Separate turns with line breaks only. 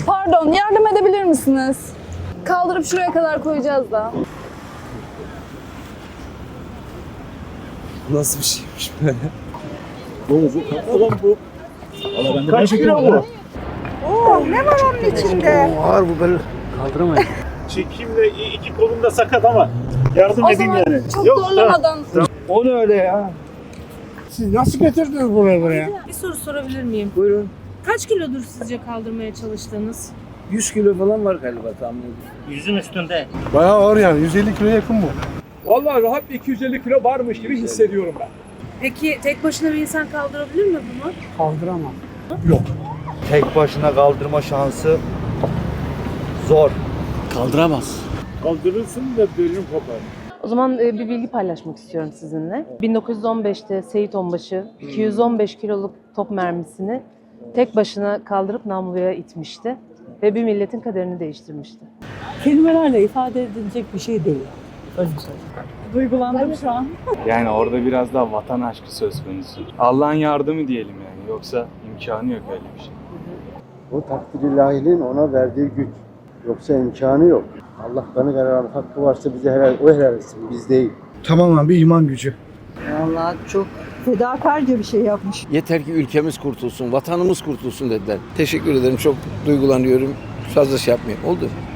Pardon, yardım edebilir misiniz? Kaldırıp şuraya kadar koyacağız da.
Nasıl bir şeymiş böyle?
Oğlum bu. Kaç kilo bu?
Oo, ne var onun içinde?
Ağır bu böyle. Kaldıramayız.
Çekimle iki kolum da sakat ama yardım
O
edeyim
zaman
yani.
çok
Yok,
zorlamadan.
O ne öyle ya?
Siz nasıl getirdiniz buraya?
Bir soru sorabilir miyim?
Buyurun.
Kaç kilodur sizce kaldırmaya çalıştığınız?
100 kilo falan var galiba tahmin ediyorum.
Yüzün üstünde.
Bayağı ağır yani. 150 kiloya yakın bu.
Vallahi rahat bir 250 kilo varmış gibi hissediyorum ben.
Peki tek başına bir insan kaldırabilir mi bunu?
Kaldıramam.
Tek başına kaldırma şansı zor.
Kaldıramaz.
Kaldırırsın da bölüm kopar.
O zaman bir bilgi paylaşmak istiyorum sizinle. 1915'te Seyit Onbaşı 215 kiloluk top mermisini tek başına kaldırıp namluya itmişti ve bir milletin kaderini değiştirmişti.
Kelimelerle ifade edilecek bir şey değil. Öyle söyleyeyim. Duygulandım şu an.
Yani orada biraz daha vatan aşkı söz konusu. Allah'ın yardımı diyelim yani. Yoksa imkanı yok öyle bir şey.
O takdir ilahinin ona verdiği güç. Yoksa imkanı yok. Allah kanı kararı hakkı varsa bize helal etsin. Biz değil.
Tamamen bir iman gücü.
Vallahi çok fedakarca bir şey yapmış.
Yeter ki ülkemiz kurtulsun, vatanımız kurtulsun dediler. Teşekkür ederim. Çok duygulanıyorum. Fazla şey yapmayayım. Oldu.